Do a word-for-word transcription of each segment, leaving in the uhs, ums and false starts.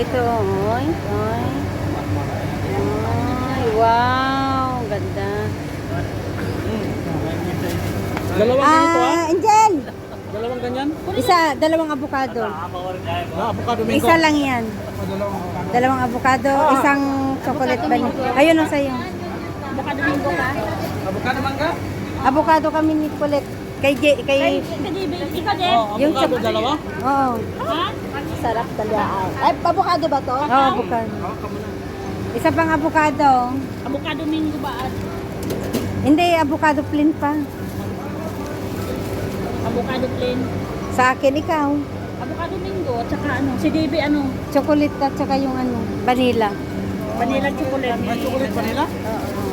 ito. Oy, oy. Ay, wow. Ganda. Dalawang ganito ah? Ah, Angel! Dalawang ganyan? Isa, dalawang avocado. Ah, avocado mango. Isa lang yan. Ah, dalawang avocado. Dalawang avocado, isang chocolate vanilla. Ayun ang sa'yo. Avocado mango ka? Avocado mangga? Avocado kami ni Colette. Kay J, kay... Ikaw din? Oh, Yung avocado sa- dalawa? Oo. Ha? Sarap talaga. Ay, avocado ba to? Oo, avocado. Oh, kamo na. Isa pang avocado. Avocado mango ba? at Hindi, avocado plain pa. Avocado plain? Sa akin, ikaw. Avocado mango at saka ano? Si Davey ano? Chocolate at saka yung ano, vanilla. Vanilla chocolate. May chocolate vanilla? Oo.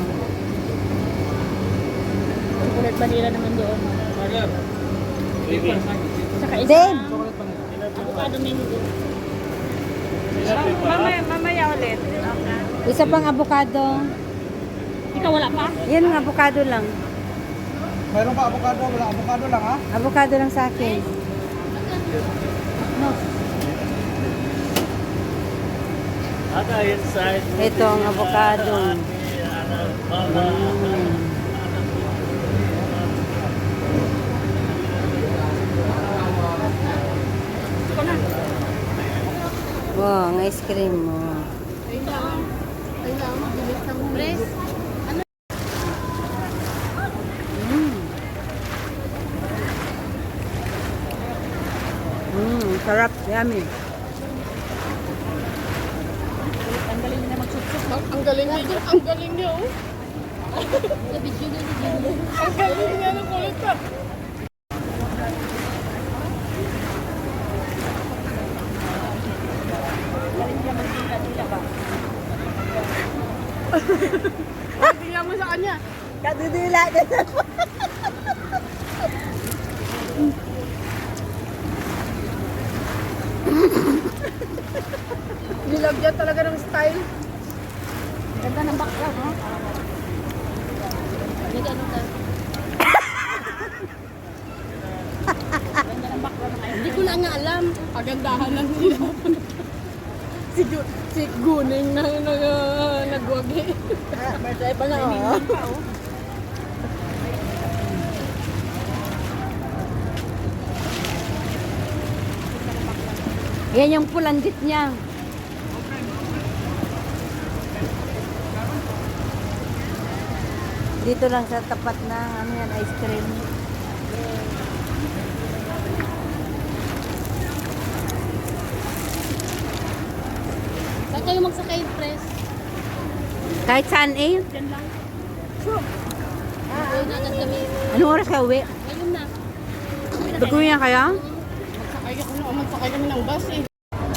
Chocolate vanilla naman doon. Burger. Saka isa Dave! Chocolate vanilla. avocado mango. Mamaya, mamaya ulit. Isa pang avocado. Ikaw wala pa? Yan ang avocado lang. Mayroon pa avocado? Wala avocado lang ha? Avocado lang sa akin. Ito ang avocado. Mm. Ikaw na. Wow, ang ice cream mo. Press. Mm. Mm, sarap, yummy. Ang galing na magsuksok. Ang galing niya, ang galing niya, oh. Ang galing niya ng kulit ka. Tingnan mo sa kanya. Kadudula na Nilagyan talaga ng style. Ganda ng background, ha? Nag-ano ka? Ganda ng background ng Hindi ko na nga alam. Pagandahan lang nila. si, Gu- si Guning na, na, uh, nagwagi. May pa na, oh. Yan yung pulandit niya. Dito lang sa tapat na ano yan, ice cream. Saan kayo magsakay, press? Kahit saan eh. Diyan lang. Ah, na agad kami. Anong oras ka uwi? Ngayon na. Baguhin niya kaya? Magsakay ako na, magsakay kami ng bus eh.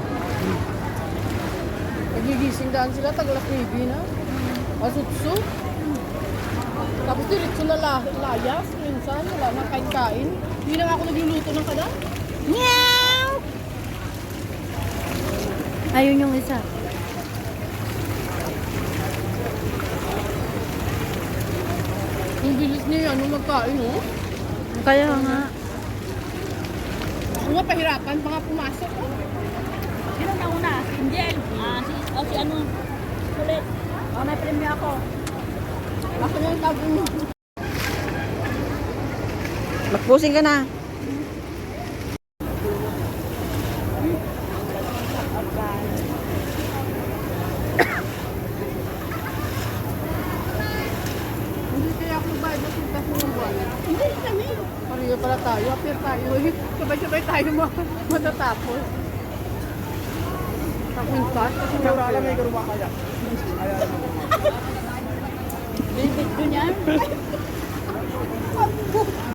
Nagigising daan sila, taglas baby na. Masutso. Tapos diretso na la layas, minsan, wala na kain-kain. Hindi na nga ako nagluluto ng kada. Meow! Ayun yung isa. Ang bilis niya yan, nung magkain, oh. Kaya nga. Ako nga, pahirapan pa nga pumasok, oh. Sino na una? Si Angel. Ah, si, oh, si ano? Ulit. Oh, may premyo ako. Ako na yung tabi mo. Magpusing ka na. Hindi kaya ako bayad na sintas mo ng buwan. Hindi kami. Pareho pala tayo, appear tayo. eh. Sabay-sabay tayo ma- matatapos. Kakwintas, kasi wala alam may garuwa kaya. David ko niyan.